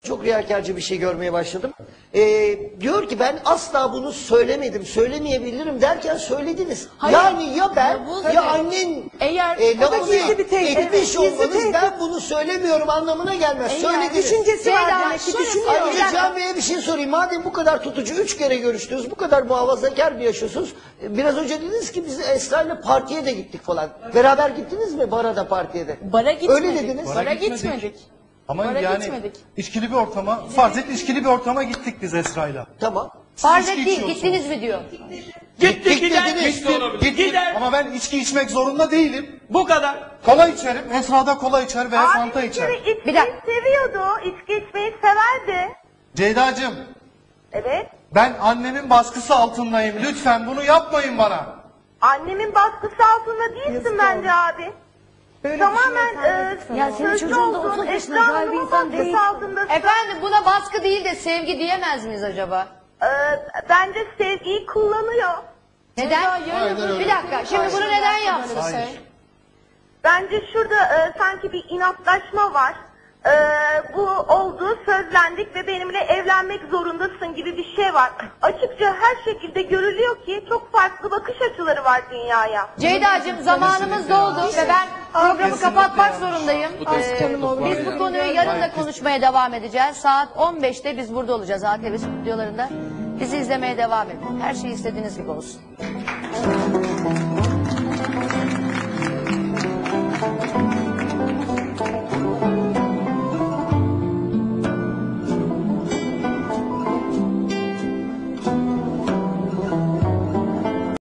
çok riyakarcı bir şey görmeye başladım. Diyor ki ben asla bunu söylemedim, söylemeyebilirim derken söylediniz. Hayır. Yani ya ben Yavuz ya Bey, annen eğer lafını gizli bir tehdit. etmiş Gizli olmanız tehdit. ben bunu söylemiyorum anlamına gelmez. Eğer Söylediniz. Düşüncesi var Ceyda, demek ki şöyle düşünüyor. Ayrıca Can Bey'e bir şey sorayım. Madem bu kadar tutucu 3 kere görüştünüz, bu kadar muhafazakar bir yaşıyorsunuz. Biraz önce dediniz ki biz Esra'yla partiye de gittik falan. Beraber gittiniz mi bara da partiye de? Bara gitmedik. Öyle dediniz. Bara gitmedik. gitmedik. Ama Bara yani gitmedik. içkili bir ortama, farz et içkili bir ortama gittik biz Esra'yla. Tamam. Farz içki et değil, içiyorsunuz. gittiniz mi diyor. Gittik gider. dediniz. Gittim. Gider. Ama ben içki içmek zorunda değilim. Bu kadar. Kola içerim. Esra da kola içer veya fanta içer. Bir dakika. Seviyordu. İçki içmeyi severdi. Ceyda'cığım, Evet. ben annemin baskısı altındayım. Lütfen bunu yapmayın bana. Annemin baskısı altında değilsin bence abi. Tamamen Ya senin sözlü çocuğun da olduğun 30 yaşında Esra güzel bir Hanım'ın insan değil. baskısı altındasın. Efendim buna baskı değil de sevgi diyemez miyiz acaba? Bence sevgiyi kullanıyor. Neden? Bir dakika. Şimdi bunu neden yapsın? Hayır. Bence şurada sanki bir inatlaşma var. Bu oldu, sözlendik ve benimle evlenmek zorundasın gibi bir şey var. Açıkça her şekilde görülüyor ki çok farklı bakış açıları var dünyaya. Ceyda'cığım zamanımız doldu ve ben programı kapatmak zorundayım. Biz bu konuyu yarın da konuşmaya devam edeceğiz. Saat 15'te biz burada olacağız ATV stüdyolarında. Bizi izlemeye devam edin. Her şey istediğiniz gibi olsun.